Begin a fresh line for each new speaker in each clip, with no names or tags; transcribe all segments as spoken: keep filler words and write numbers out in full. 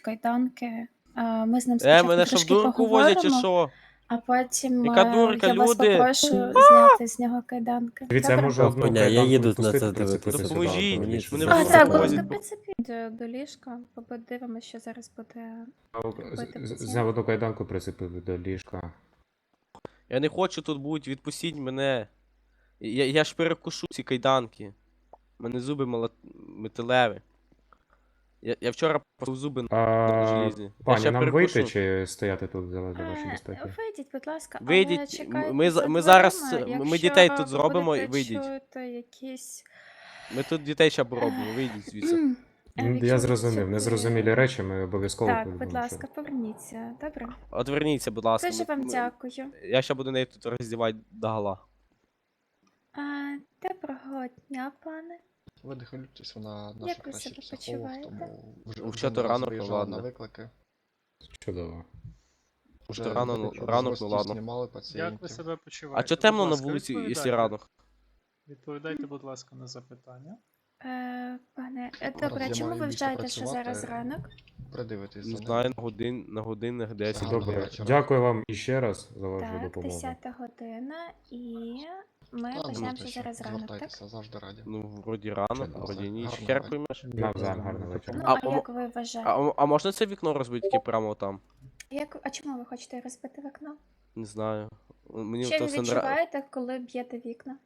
кайданки. А, Ми з ним
Е,
спочатку
мене що в
трошки
дурку возять чи
поговоримо,
що?
а потім
Яка
е,
дурка,
я вас
люди?
попрошу зняти з нього кайданки.
Дивіться, я
Добре?
можу одну
Ні, я
кайданку
їду на
відпустити,
це
прицепити
дивитися.
сюди.
Допоможіть,
автомобіль.
мені
мене
це
А,
в
так,
дурку
ви
возять.
прицепіть до, до ліжка, подивимося, що зараз буде.
З- з- Зняв одну кайданку, прицепив до ліжка.
Я не хочу тут бути, відпустіть мене. Я, я ж перекушу ці кайданки. У мене зуби мала... металеві. Я, я вчора порвав зуби на
А,
желізні. Я
пані,
ще
нам
перекушу.
вийти чи стояти тут для для вашої
Е,
безпеки?
Вийдіть, будь ласка, але
Вийдіть,
чекайте
ми,
за
за- ми
дверима,
зараз, ми
якщо
дітей тут
ви
зробимо і
будете
вийдіть.
чути якісь...
Ми тут дітей ще поробимо, вийдіть звідси.
М, е,
М,
якщо
Я
ви
зрозумів,
чути-
незрозумілі речі ми обов'язково
Так,
повідомимо,
будь
що-
ласка, поверніться, добре?
Отверніться, будь ласка.
Дуже
ми-
вам
ми-
дякую.
Я ще буду неї тут роздівати догола.
А, доброго дня, пане.
Ви не хвилюйтесь, вона
Як
наша
ви
краща
себе
психолог,
почуваєте?
тому вже,
Ну,
вже
що то
не раз
ранок, ну
виїжджала
ладно.
на виклики.
Чудово.
Уже
То рано,
виклики
ранок, ну
гості
ладно.
знімали
Як ви
пацієнтів.
себе почуваєте?
А чо
Будь
темно на
ласка,
вулиці, якщо
відповідайте.
ранок?
Відповідайте, будь ласка, на запитання.
Е, пане, е,
Зараз
добре,
я
чому
маю
ви
більше
вважаєте, що
працювати.
зараз ранок?
Придивитись
Не
за
знаю,
ним.
на годин, на годинах десять.
Гарного
Добре,
вечора.
дякую вам іще раз за вашу
Так,
допомогу.
десята година, і ми
Та,
почнемо,
ну,
що
те, що,
зараз ранок, так?
звертайтеся, завжди раді.
Ну, вроді рано,
Чудово.
вроді ніч.
Гарного
Хер
вечора.
поймеш.
Навзаєм, гарного вечора.
Ну,
А,
а,
а мо-
як ви
А,
вважаєте?
а- а можна це вікно розбити тільки прямо там?
Як, а чому ви хочете розбити вікно?
Не знаю. Мені
Що
то
ви
все нра...
відчуваєте, коли б'єте вікна?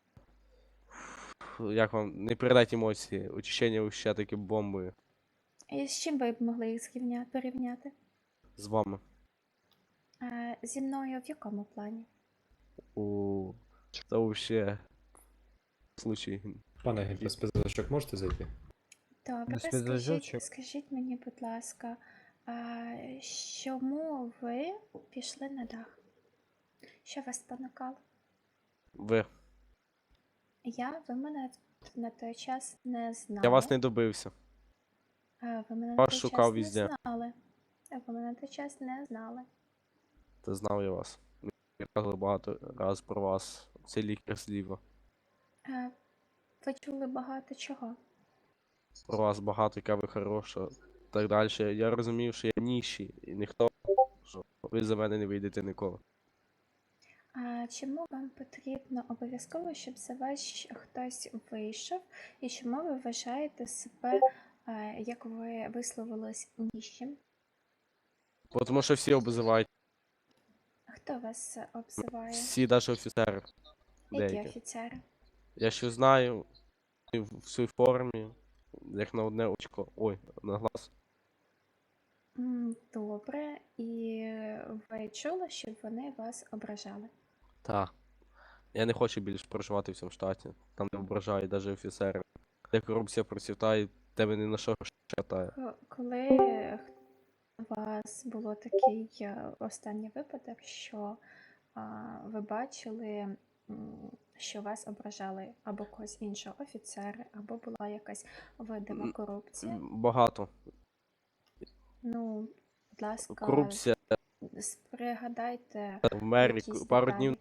Як вам? Не передайте емоції. Очищення ще таки бомбою.
І з чим ви б могли їх зрівня- порівняти?
З вами.
Е, зі мною в якому плані?
У це вообще случай.
Пане, без спецзачок можете зайти?
Добре,
Без
скажіть,
підв'язочок.
скажіть мені, будь ласка, а чому ви пішли на дах? Що вас спонукало?
Ви.
Я, ви мене на той час не знали.
Я вас не добився.
А, ви мене на
вас
той
шукав
час
везде.
не знали. А ви мене на той час не знали.
Та знав я вас. Я казав багато раз про вас. Це лікар зліва.
А, ви чули багато чого.
Про вас багато, яка ви хороша. Так далі. Я розумів, що я ніші, і ніхто, що ви за мене не вийдете ніколи.
А чому вам потрібно обов'язково, щоб за вас хтось вийшов? І чому ви вважаєте себе, а, як ви висловились, ніжчим?
Бо Тому що всі обзивають.
Хто вас обзиває?
Всі навіть офіцери.
Які
Деякі.
офіцери?
Я що знаю, в в своїй формі, як на одне очко. Ой, на глаз.
М, Добре, і ви чули, щоб вони вас ображали?
Так. Я не хочу більше проживати в цьому штаті. Там не ображають навіть офіцери. Де корупція процвітає, тебе ні на що хватає.
Ко- Коли у вас було такий е, останній випадок, що а, ви бачили, м, що вас ображали або когось іншого офіцери, або була якась видима
М,
корупція?
Багато.
Ну, будь ласка,
Корупція
с- пригадайте
в мері
якісь
пару
деталі.
днів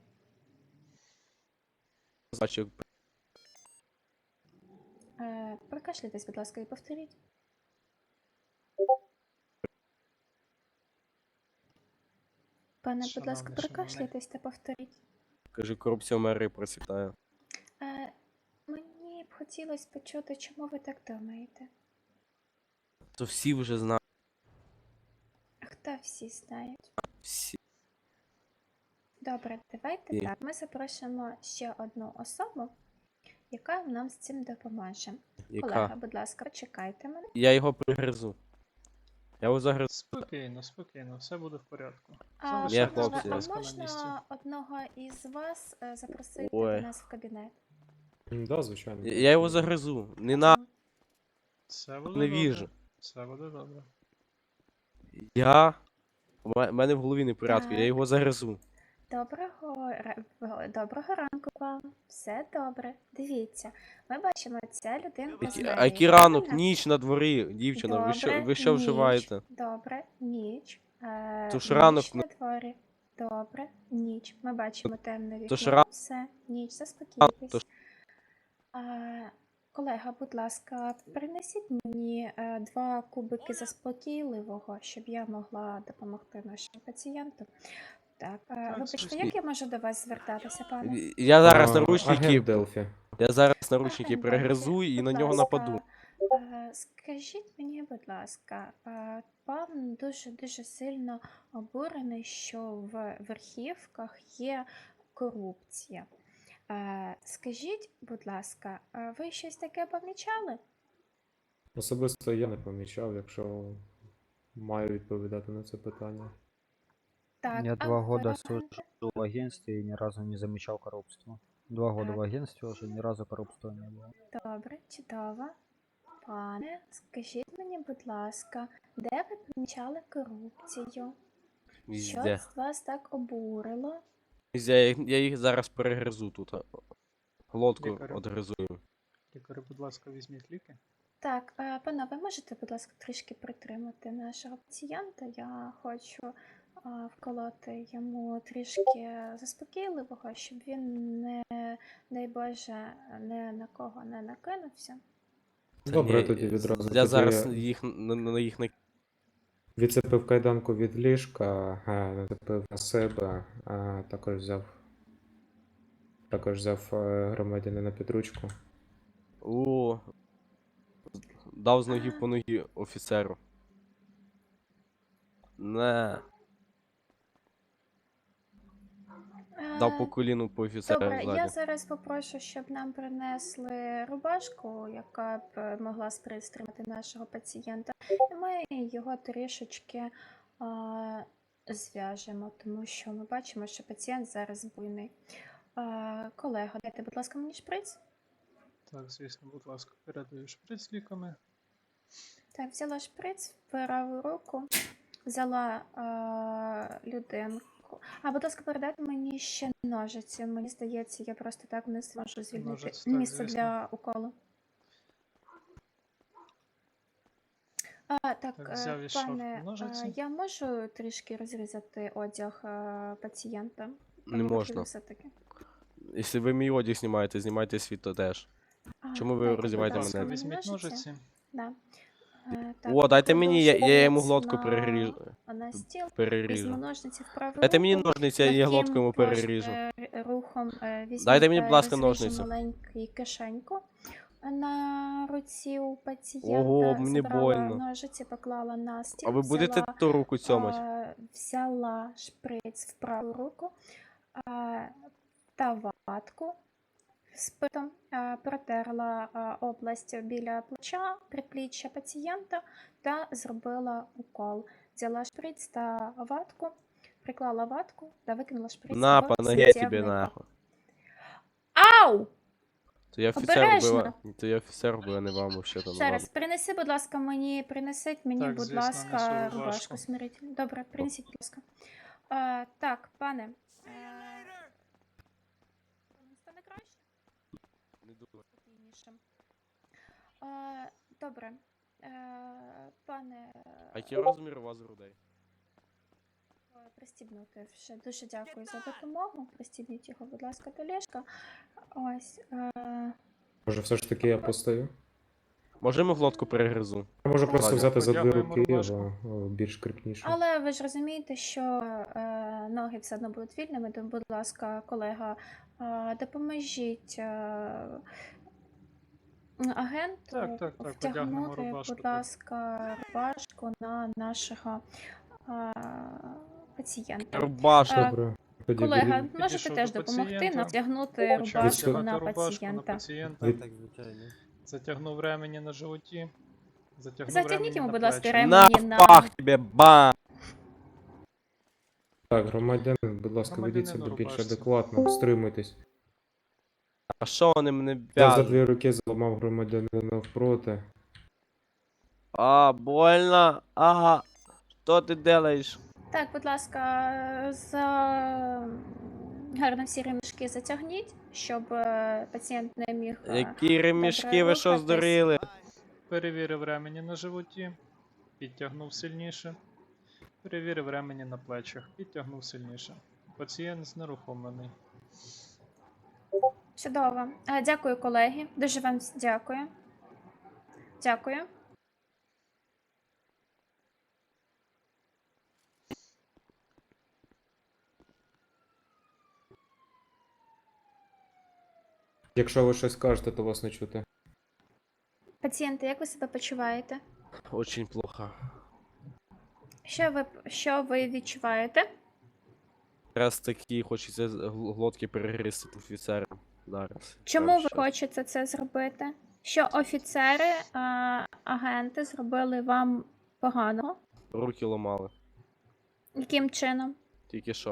бачив.
Е, Прокашляйтесь, будь ласка, і повторіть. Пане, будь ласка,
Шановний,
прокашляйтесь та повторіть.
Кажу, корупція в мері процвітає.
Е, Мені б хотілося почути, чому ви так думаєте.
То всі вже знають.
Хто всі знають?
Всі.
Добре, давайте
Ні.
так. Ми запрошуємо ще одну особу, яка нам з цим допоможе. Колега,
Яка?
будь ласка, почекайте мене.
Я його пригризу. Я його загризу.
Спокійно, спокійно, все буде в порядку.
А,
Залишайтесь,
панове,
хлопці.
будь
а
ласка, на місці.
можна одного із вас е, запросити
Ой.
до нас в кабінет?
М, Да, звичайно.
Я я його загризу. Не на
Все буде
не
добре.
віжу.
Все буде добре.
Я. У ме- мене в голові не в порядку, я
Так.
його загризу.
Доброго, ра- в- доброго ранку вам. Все добре. Дивіться, ми бачимо, ця людинка
Які-
знає.
А який ранок,
правильно?
ніч на дворі, дівчина, ви що,
Добре,
ви що
ніч.
вживаєте?
Добре, ніч. Е,
То ж ранок
ніч
на-
на дворі. Добре, ніч. Ми бачимо темне вікно.
то ж ра-
Все, ніч,
то
заспокійтесь.
ж-
А, колега, будь ласка, принесіть мені е, два кубики заспокійливого, щоб я могла допомогти нашому пацієнту. Так, е,
Так,
вибачте,
звісно.
як я можу до вас звертатися, пане?
І- Я зараз
А,
наручники.
Агент Делфі.
Я зараз наручники
Агент
перегризу
Делфі,
і на
будь
нього
ласка,
нападу.
е, Скажіть мені, будь ласка, е, пан дуже-дуже сильно обурений, що в верхівках є корупція. Е, Скажіть, будь ласка, е, ви щось таке помічали?
Особисто я не помічав, якщо маю відповідати на це питання.
Так,
Я
а
два
ви,
года
агенте?
служу в агентстве и ни разу не замечал коррупства. Два года
Так.
в агентстве уже ни разу коррупства не было.
Добре, чудово. Пане, скажіть мені, будь ласка, де ви помічали корупцію? Що
Візде.
з вас так обурило?
Візде, я, їх- я їх зараз перегризу тут. а. Глотку
Лікарю.
одгризу. їм.
Лікарю, будь ласка, візьміть ліки.
Так, е, пане, ви можете, будь ласка, трішки притримати нашого пацієнта? Я хочу е, вколоти йому трішки заспокійливого, щоб він не, дай Боже, не на кого не накинувся.
Та
Добре,
ні,
тоді відразу.
Я
Тоді
зараз
я
їх на, на їх не.
відцепив кайданку від ліжка, е, нацепив на себе, а також взяв. Також взяв е, громадянина під ручку.
О, дав з ноги по ногі офіцеру. Не, дав по
Е,
коліну по офіцеру
Добре, я
ззаді.
зараз попрошу, щоб нам принесли рубашку, яка б е, могла стримати нашого пацієнта. І ми його трішечки а, зв'яжемо, тому що ми бачимо, що пацієнт зараз буйний. А, колего, дайте, будь ласка, мені шприц.
Так, звісно, будь ласка, передаю шприц з ліками.
Так, взяла шприц в праву руку, взяла а, людинку. А, будь ласка, передайте мені ще ножиці. Мені здається, я просто так не зможу звільнити
Ножиці, так,
місце
звісно.
для уколу. А, так,
Так,
е,
взяв із шафки
пане,
ножиці.
е, я можу трішки розрізати одяг е, пацієнта?
Не
Пане
можна.
Василю, все-таки.
Якщо ви мій одяг знімаєте, знімайте свій то теж.
А,
Чому ви
дайте, будь
роздіваєте
Будь
ласка,
ласка,
мене?
мені
візьміть ножиці.
Да. Е,
О, дайте
кладу
мені, я, я йому
шприц
глотку
на-
переріжу.
На стіл, візьму
переріжу.
ножниці в праву
Дайте мені
руку.
ножниці, я її
Таким
глотку йому
пош-
переріжу.
е, рухом е, візьму,
Дайте мені, будь
е,
ласка,
розріжу
ножниці.
маленьку кишеньку на руці у пацієнта.
Ого, мені
забрала
больно.
ножиці, поклала на стіл,
А ви будете
взяла,
ту руку цьомать?
е, взяла шприц в праву руку е, та ватку спитом, е, протерла е, область біля плеча, предпліччя пацієнта та зробила укол. Взяла шприц та ватку, приклала ватку та викинула шприц
На,
в
по ноге тебе
стільник.
нахуй.
Ау!
То я офіцер
Обережно.
вбила. То я офіцер вбила, не вам вообще то
Зараз, принеси, будь ласка, мені, принесіть мені,
Так,
будь
звісно,
ласка,
несу
рубашку
рубашку.
смирительну. Добре, принесіть, будь ласка. А, так, пане. е, Вам стане краще?
Не думаю.
Спокійніше. А, добре. Е, пане,
А який розмір у вас грудей?
е, пристібнути вже. Дуже дякую за допомогу. Пристібніть його, будь ласка, до ліжка. Ось. Е,
Може, все ж таки я постою?
Можемо глотку перегризу?
Я можу просто
Ладно.
взяти за дві
Подякуємо,
руки
рубашку.
його о, більш кріпніше.
Але ви ж розумієте, що е, ноги все одно будуть вільними, тому, будь ласка, колега, е, допоможіть е, агенту
Так, так, так, одягнемо
втягнути,
рубашку,
будь
так.
ласка, рубашку на нашого е, пацієнта.
Рубашку.
Е,
Добре. Тоді
Колега,
від-
можете
Підійшов
теж
до
допомогти
пацієнта,
натягнути
Почав
рубашку
Відсу-
на
одягати рубашку на
пацієнта.
пацієнта.
від-
Так, звичайно.
Затягнув ремені на животі. Затягнув
Затягніть
ремені
йому,
на
будь ласка,
плечі.
ремені.
На
Мені на-
пах тебе, бам!
Так, громадянин, будь ласка,
Громадянин
ведіть
у
себе більш
рубашці.
адекватно, стримуйтесь.
А що вони мене
Я за
в'яжуть?
дві руки зламав громадянина навпроти.
А, больно. Ага. Що ти делаєш?
Так, будь ласка, за гарно всі ремішки затягніть, щоб е, пацієнт не міг. е,
Які ремішки,
добре
ви що
рухатись.
здуріли?
Перевірив ремені на животі. Підтягнув сильніше. Перевірив ремені на плечах. Підтягнув сильніше. Пацієнт знерухомлений.
Чудово. Е, Дякую, колеги. Дуже вам с- дякую. Дякую.
Якщо ви щось кажете, то вас не чути.
Пацієнти, як ви себе почуваєте?
Очень плохо.
Що ви, що ви відчуваєте?
Раз такі хочеться з- гл- глотки перегризти офіцерам. Зараз.
Чому
Прямо
ви
щас.
хочете це зробити? Що офіцери, а, агенти зробили вам поганого?
Руки ламали.
Яким чином?
Тільки що.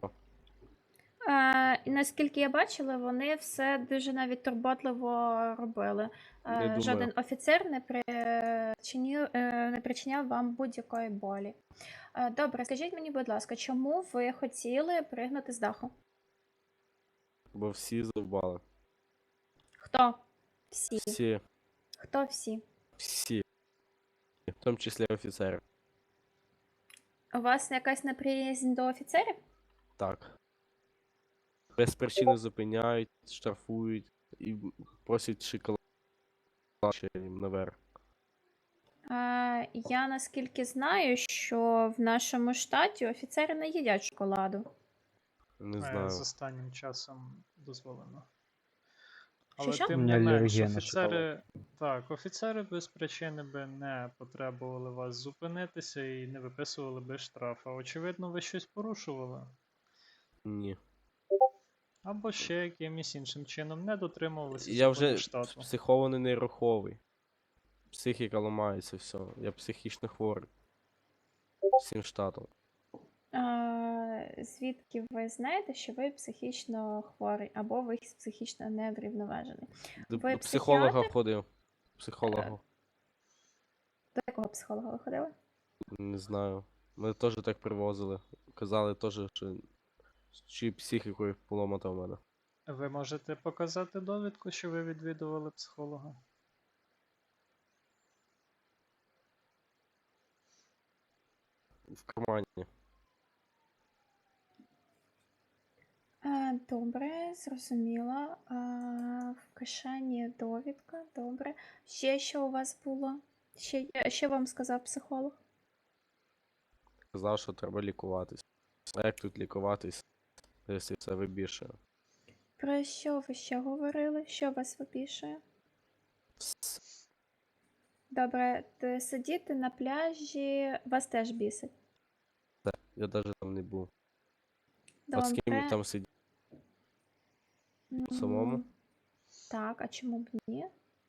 Е, і наскільки я бачила, вони все дуже навіть турботливо робили. Е,
Не думаю.
жоден офіцер не причинив, е, не причиняв вам будь-якої болі. Е, добре, скажіть мені, будь ласка, чому ви хотіли пригнути з даху?
Бо всі завбали.
Хто? Всі.
Всі.
Хто всі?
Всі. В тому числі офіцери.
У вас якась неприязнь до офіцерів?
Так. Без причини зупиняють, штрафують і просять шоколад ще їм наверх.
Е, я наскільки знаю, що в нашому штаті офіцери не їдять шоколаду.
Не
Е,
знаю.
З останнім часом дозволено.
Що,
Але
що?
тим
У
не
мене
менш,
алергія на
офіцери. Так, офіцери без причини би не потребували вас зупинитися і не виписували би штраф. А очевидно, ви щось порушували.
Ні.
Або ще якимось іншим чином не дотримувалися
Я
законів
вже
штату.
психований неруховий. Психіка ламається, все. Я психічно хворий. Всім штатом.
Е, звідки ви знаєте, що ви психічно хворий або ви психічно неврівноважений?
До,
Ви
до психолога
психіатр?
ходив. Психолога.
До якого психолога ви ходили?
Не знаю. Мене теж так привозили. Казали теж, що чи психікою поломата в мене.
Ви можете показати довідку, що ви відвідували психолога?
В кармані.
Е, добре, зрозуміла. Е, в кишені довідка, добре. Ще що у вас було? Ще, що вам сказав психолог?
Казав, що треба лікуватись. А як тут лікуватись, якщо це вибільшує?
Про що ви ще говорили? Що вас вибішує? Добре, т- сидіти на пляжі вас теж бісить.
Я навіть там не був. А з ким
Добре.
я там сидів?
М,
самому?
Так, а чому б ні?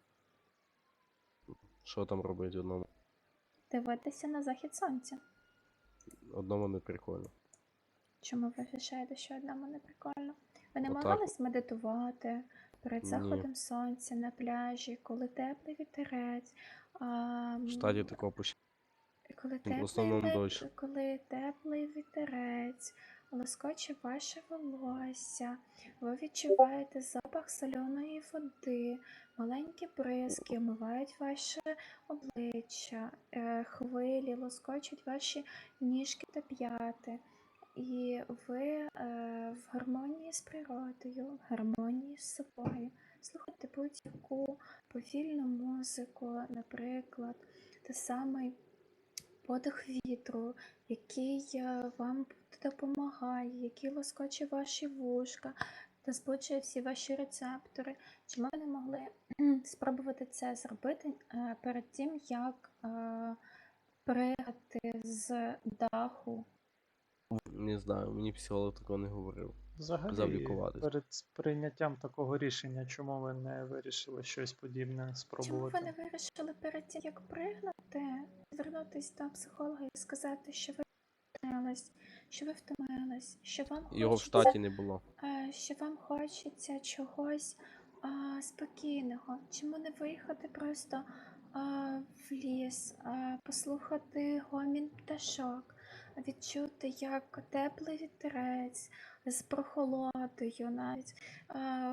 Що там робити одному?
Дивитися на захід сонця.
Одному не прикольно.
Чому ви вважаєте, що одному не прикольно? Ви не
Отак
намагались медитувати перед
Ні.
заходом сонця на пляжі, коли теплий вітерець, а,
В штаті такого почти.
коли
в
теплий,
основному
вит-
дощ.
коли теплий вітерець лоскоче ваше волосся, ви відчуваєте запах соляної води, маленькі бризки омивають ваше обличчя, е, хвилі лоскочуть ваші ніжки та п'яти. І ви е, в гармонії з природою, в гармонії з собою. Слухайте будь-яку повільну музику, наприклад, те самий подих вітру, який е, вам допомагає, який лоскоче ваші вушка та збуджує всі ваші рецептори. Чому ви не могли кхм, спробувати це зробити е, перед тим, як е, пригати з даху?
Не знаю, мені психолог такого не говорив. Казав
Взагалі,
лікуватись.
перед прийняттям такого рішення, чому ви не вирішили щось подібне
Чому
спробувати?
ви не вирішили перед тим, як пригнути, звернутися до психолога і сказати, що ви втомились, що ви втомились, що вам
Його в
хочеться,
штаті не було.
е, що вам хочеться чогось а, спокійного? Чому не виїхати просто а, в ліс, а, послухати гомін пташок, відчути, як теплий вітерець з прохолодою навіть а,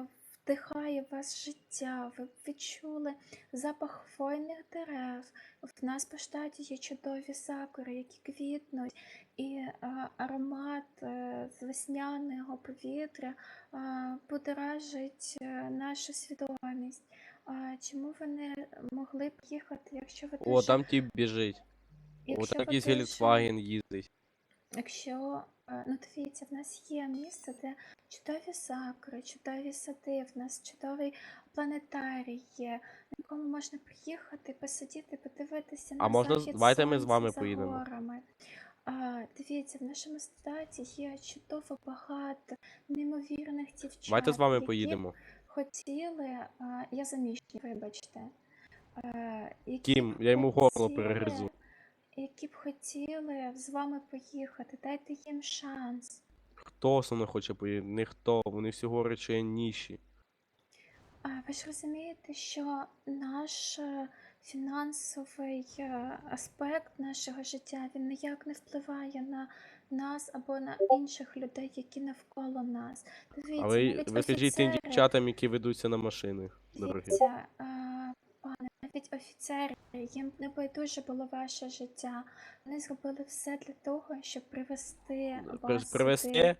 вдихає в вас життя, ви відчули запах хвойних дерев. В нас по штаті є чудові сакури, які квітнуть, і а, аромат е, з весняного повітря а, будоражить е, нашу свідомість. А, чому ви не могли б їхати, якщо ви
О,
дуже,
там тіп біжить. О,
якщо
там
ви
якийсь
дуже,
Геліксваген їздить.
якщо, е, ну дивіться, в нас є місце, де чудові сакури, чудові сади, в нас чудовий планетарій є, на якому можна приїхати, посидіти, подивитися
А
на
можна з-
захід
давайте ми з
сонця
вами
за
поїдемо.
горами. А, дивіться, в нашому статі є чудово багато неймовірних дівчат,
Давайте з вами
які б
поїдемо.
хотіли, а, я заміжня, вибачте, е, які б
Кім, я йому горло
хотіли,
перегризу.
які б хотіли з вами поїхати, дайте їм шанс.
Хто со мною хоче поїхати? Ніхто, вони всі говорять, що я ніші.
А ви ж розумієте, що наш е, фінансовий е, аспект нашого життя, він ніяк не впливає на нас або на інших людей, які навколо нас. Дивіться,
А ви,
навіть
ви скажіть тим
офіцери,
дівчатам, які ведуться на машини, дорогі.
дивіться, е, пане, навіть офіцери, їм не байдуже було ваше життя. Вони зробили все для того, щоб привести
При-
вас
Привезти,
сюди.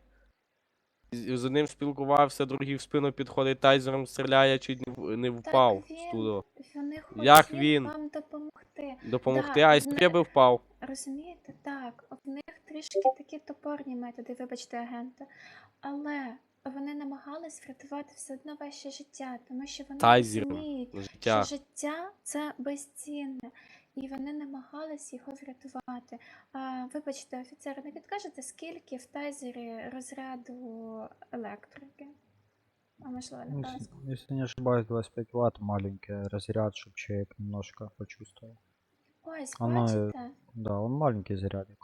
з з одним спілкувався, другий в спину підходить, тайзером стріляє, чуть не, в- не впав
Так
з
він,
туди.
вони
Як
хотіли
він?
вам допомогти.
Допомогти,
Да,
а
в
якщо б я
не-
би впав.
Розумієте, так, в них трішки такі топорні методи, вибачте, агенти, але вони намагались врятувати все одно ваше життя, тому що вони
Тайзером
розуміють, що
життя.
життя це безцінне, і вони намагались його врятувати. А, вибачте, офіцери, не підкажете, скільки в тайзері розряду електрики? А можливо,
Ну,
не
если,
казку.
если не ошибаюсь, двадцать пять ватт, маленький разряд, чтобы человек немножко почувствовал.
Ось,
Оно, э,
бачите?
да, он маленький зарядик.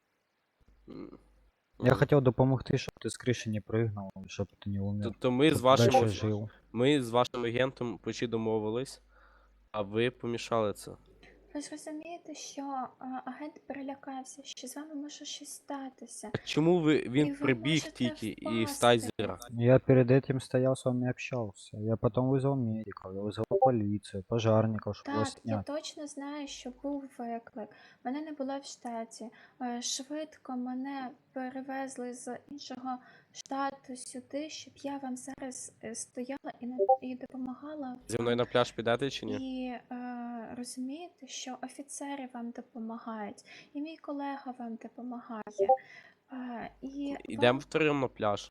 М.
Я
М.
хотел допомогти, щоб ти з криші не прыгнул, щоб ти не
То,
умер.
то ми з
Щоб
вашим
дальше
оф-
жив.
ми з вашим агентом почти домовились, а ви помішали це.
Ви ж розумієте, що а, агент перелякався, що з вами може щось статися.
А чому ви
І
він
ви
прибіг
можете
тільки і з
впасти.
тайзера?
Я перед этим стоял с вами общался. Я потом вызвал медиков, я вызвал полицию, пожарников, чтобы вас
Так, я
снять.
точно знаю, що був виклик. Мене не було в штаті. Е, Швидко мене перевезли з іншого штату сюди, щоб я вам зараз е, стояла і, на- і допомагала
Зі мною
вам.
на пляж підете чи ні?
І е, розумієте, що офіцери вам допомагають, і мій колега вам допомагає. Е, і
Ідемо
вам
втроєм на пляж.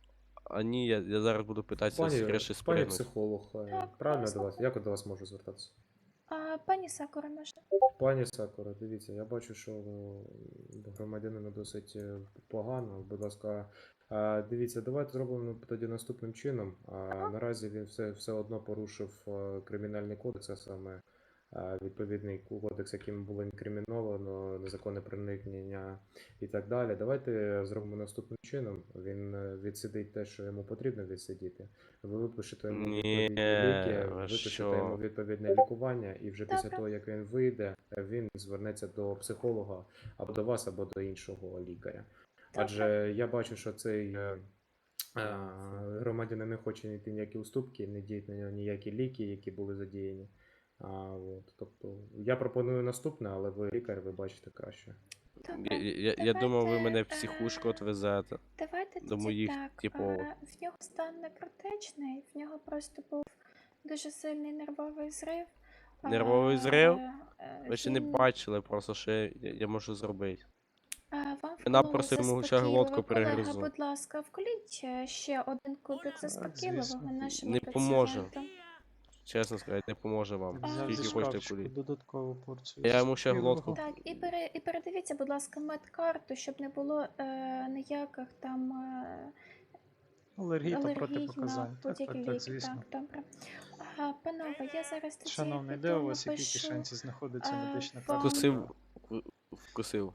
А ні, я, я зараз буду питатися з
Пані,
криші
пані
спригнути.
психолог, е,
Так,
правильно
пані
до вас? Як до вас можу звертатися?
а, пані Сакура може.
Пані Сакура, дивіться, я бачу, що ну, громадянину досить е, погано. Будь ласка, е, дивіться, давайте зробимо тоді наступним чином. А, Наразі він все, все одно порушив е, кримінальний кодекс, а саме е, відповідний кодекс, яким було інкриміновано незаконне проникнення і так далі. Давайте зробимо наступним чином. Він е, відсидить те, що йому потрібно відсидіти. Ви випишете йому
Ні,
відповідні ліки,
ви
випишете
що?
йому відповідне лікування, і вже після
Добре.
того, як він вийде, він звернеться до психолога або до вас, або до іншого лікаря. Адже я бачу, що цей е, е, громадянин не хоче йти ніякі уступки, не діють на нього ніякі ліки, які були задіяні. А, от, тобто, я пропоную наступне, але ви лікар, ви бачите краще.
Добре.
Я, я, я думав, ви мене в
Давайте,
психушку
е,
отвезете.
Давайте
до
тоді
моїх
так.
типових.
е, В нього стан не критичний, в нього просто був дуже сильний нервовий зрив.
Нервовий
Е,
зрив?
е,
Ви ще не
він-
бачили просто, що я, я можу зробити.
е, Вам
Вона
вкололи
просто йому ще
заспокійливо.
глотку
Колега,
перегризу.
будь ласка, вколіть е, ще один кубик заспокійливого
звісно.
нашому
Не поможе.
пацієнту.
Чесно сказати, не поможе вам.
Взяв зі
Скільки хочете
шкафчику
кулі.
додаткову порцію.
Я йому ще
заспокійливого.
глотку.
Так, і, пере, і передивіться, будь ласка, медкарту, щоб не було е, ніяких там е,
Алергій та
алергій на
протипоказань. Так,
будь-які
так, так,
ліки.
звісно.
Так, добре. А, панове, я зараз тоді
Шановний, де
піду
у вас в якій
напишу,
кишенці знаходиться
а,
медична
вам-
карта?
Вкусив. в- Вкусив.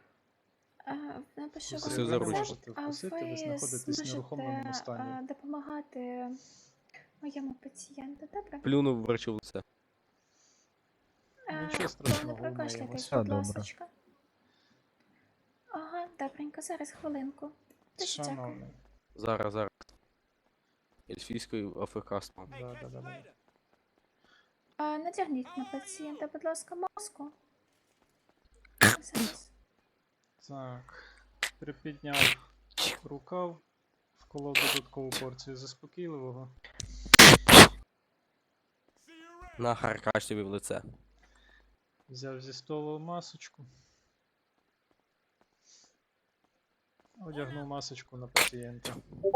а, напишу
Вкусив
вам
за
рецепт,
ручку.
а
Вкусити, ви
ви
знаходитесь в
зможете
нерухомленому стані.
а, допомагати моєму пацієнту, добре?
Плюнув врачу в лице.
А,
Нічого страшного,
пане, прокашляйтесь,
умиємось.
будь
Все добре.
ласочка. Ага, добренько, зараз хвилинку. Дуже дякую.
Шановний,
Зараз, зараз. Ельфійською АФК став.
Да, да, да, да.
А, надягніть на пацієнта, будь ласка, маску. Зараз.
Так. Припідняв рукав, вколов додаткову порцію заспокійливого.
На харкаш тобі в лице.
Взяв зі столу масочку. Одягнув масочку на пацієнта.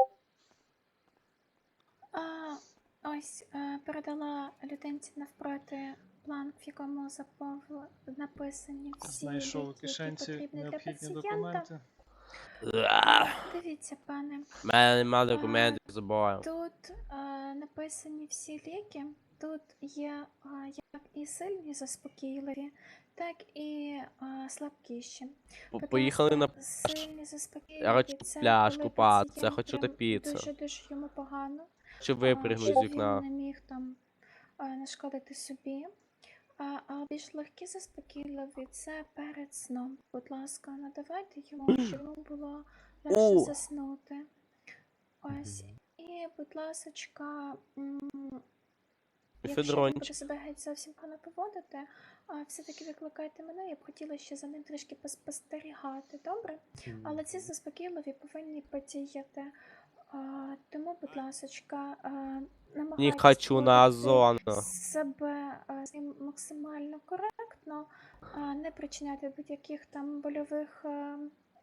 А, ось е, передала людинці навпроти план, в якому запов... написані всі
Знайшов у
ліки, які
кишенці
потрібні для
необхідні
пацієнта.
документи.
А, дивіться, пане,
У мене нема документів з собою.
тут е, написані всі ліки. Тут є е, як і сильні заспокійливі, так і е, слабкіші.
По-
Будь
Поїхали на
ласка, сильні заспокійливі.
Я хочу
це
пляж
коли
купатися,
пацієнт
хочу
прям
топитися.
Дуже дуже йому погано.
чи
а,
випригнуть
щоб
з вікна.
він не міг там а, нашкодити собі. А, а більш легкі заспокійливі це перед сном. Будь ласка, надавайте йому, щоб йому було легше
О!
заснути. Ось. І, будь ласочка, м, якщо він
Федорончик.
буде себе геть зовсім погано поводити, а, все-таки викликайте мене, я б хотіла ще за ним трішки поспостерігати, добре? Але ці заспокійливі повинні подіяти. А, тому, будь ласочка, а,
Не
намагайтесь
хочу на
поводити
зону.
себе а, з ним максимально коректно, а, не причиняти будь-яких там больових а,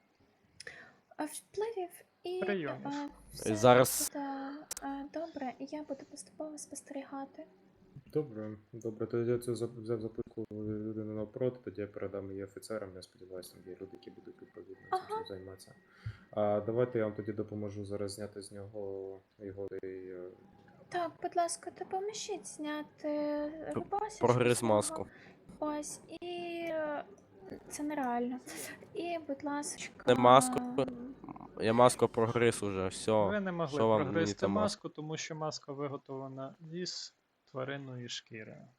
а, впливів і
Прийомів.
а, все
Зараз-
буде а, добре, і я буду поступово спостерігати.
Добре, добре, тоді я це зап- взяв записку людини навпроти, тоді я передам її офіцерам, я сподіваюся, там є люди, які будуть відповідно цим
Ага.
всім займатися. А давайте я вам тоді допоможу зараз зняти з нього його цей, е,
Так, будь ласка, допоможіть зняти рубашечку
Прогриз
з нього.
маску.
Ось, і е, це нереально. І, будь ласочка.
Не маску.
м,
Я маску прогриз уже,
Ви
все.
не могли
що вам мені
прогризти
та маска?
маску, тому що маска виготовлена із тваринної шкіри.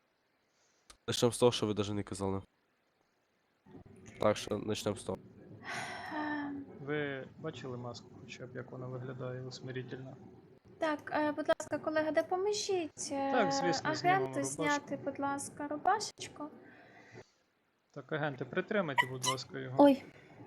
Начнем з того, що ви навіть не казали. Так що почнемо з того.
ем,
Ви бачили маску, хоча б як вона виглядає усмирительно?
Так, е, будь ласка, колега, допоможіть е,
Так, звісно, знімемо
агенту
рубашку.
зняти, будь ласка, рубашечку.
Так, агенти, притримайте, будь ласка, його.
Ой,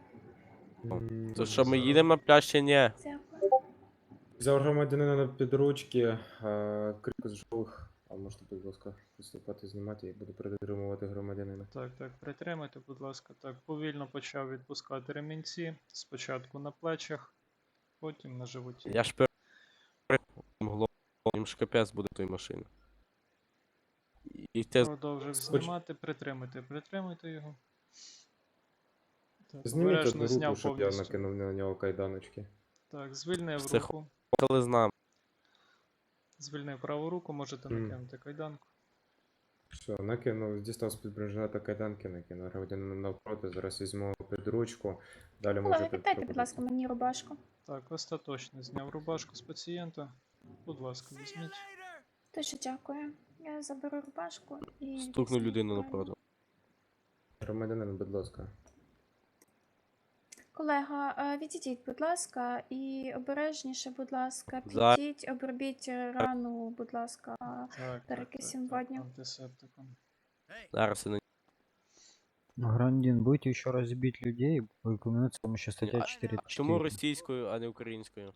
м,
То що ми
зараз.
їдемо на пляж чи ні?
дякую.
Взяв громадянина на підручки, е, крик з жових, а можете, будь ласка, приступати знімати, я буду притримувати громадянина.
Так, так, притримайте, будь ласка. Так, повільно почав відпускати ремінці. Спочатку на плечах, потім на животі.
Я ж перед їм ж капець буде той машини. І те
Продовжив
Споч-
знімати, притримайте, притримайте його. Так,
Зніміть
обережно
одну руку,
зняв
щоб я
повністю.
накинув на нього кайданочки.
Так, звільнив
Це
руку.
коли з нами.
Звільнив праву руку, можете
Мгм.
накинути кайданку.
Все, накинув, дістав з-під бронежилета кайданки, накинув громадянина навпроти, зараз візьму під ручку, далі
Колега,
можете...
віддайте, будь
проводити.
ласка, мені рубашку.
Так, остаточно зняв рубашку з пацієнта. Будь ласка, візьміть.
Дуже дякую. Я заберу рубашку і.
Стукну
візьму
людину
правильно.
напроти.
Громадянин, будь ласка.
Колега, е, відійдіть, будь ласка, і обережніше, будь ласка,
За-
підіть, обробіть е, рану, будь ласка.
Так, так,
Перекисім
так, так,
водню.
антисептиком.
Зараз я на
Грандин, будете еще раз бить людей, упомянуть с помощью статья
А-
четыре.
А чому російською, а не українською?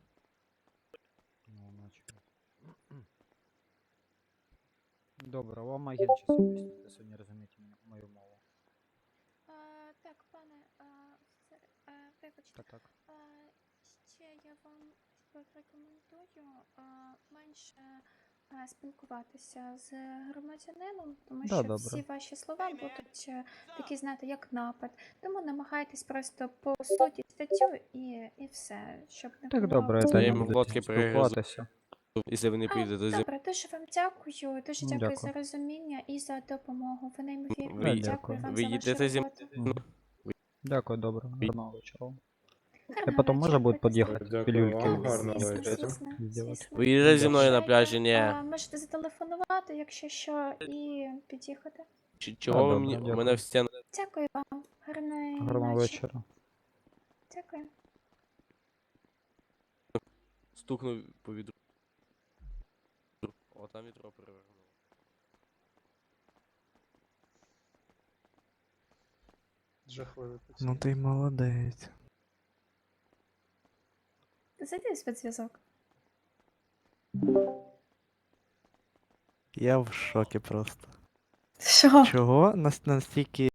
Добре, вам агент сейчас объяснит, если вы не разумеете меня- мою мову.
А, так, пане а, офіцер, а, вибачте,
Так, так.
а, ще я вам рекомендую а, менше а, спілкуватися з громадянином, тому
Да,
що
добре.
всі ваші слова будуть е, такі, знаєте, як напад. Тому намагайтесь просто по суті статтю і, і все, щоб не
Так,
було.
добре,
Та
это
я
не
йому
буду
глотки перегризу.
спілкуватися.
Якщо ви не
А,
поїдете зі
добре, дуже вам дякую. Дуже
Ну,
дякую,
дякую.
за розуміння і за допомогу. Ви неймовірні.
Ви-
Дякую
Дякую.
вам
ви
за
їдете
вашу
зі
роботу.
Мгм. Дякую, добре. Гарного вечора. И
Гарного
потом можно
вечора,
будет
будьте
подъехать,
Дякую
пилюльки
вам,
Так,
гарного
звісно,
вечора.
звісно,
Сделать.
звісно.
Ви їдете зі мною на
Звичайно.
пляжі, ні.
А, можете зателефонувати, якщо що, і під'їхати.
Чи- Чого ви
добре,
мені
дякую.
мене в стіну
Дякую вам. Гарної
Гарного
ночі.
вечора.
Дякую.
стукнув по відру? О, там вітро перевернуло.
Жахливий
Ну
пацієнт.
ти молодець.
Зайди в спецзв'язок.
Я в шокі просто.
Що?
Чого нас настільки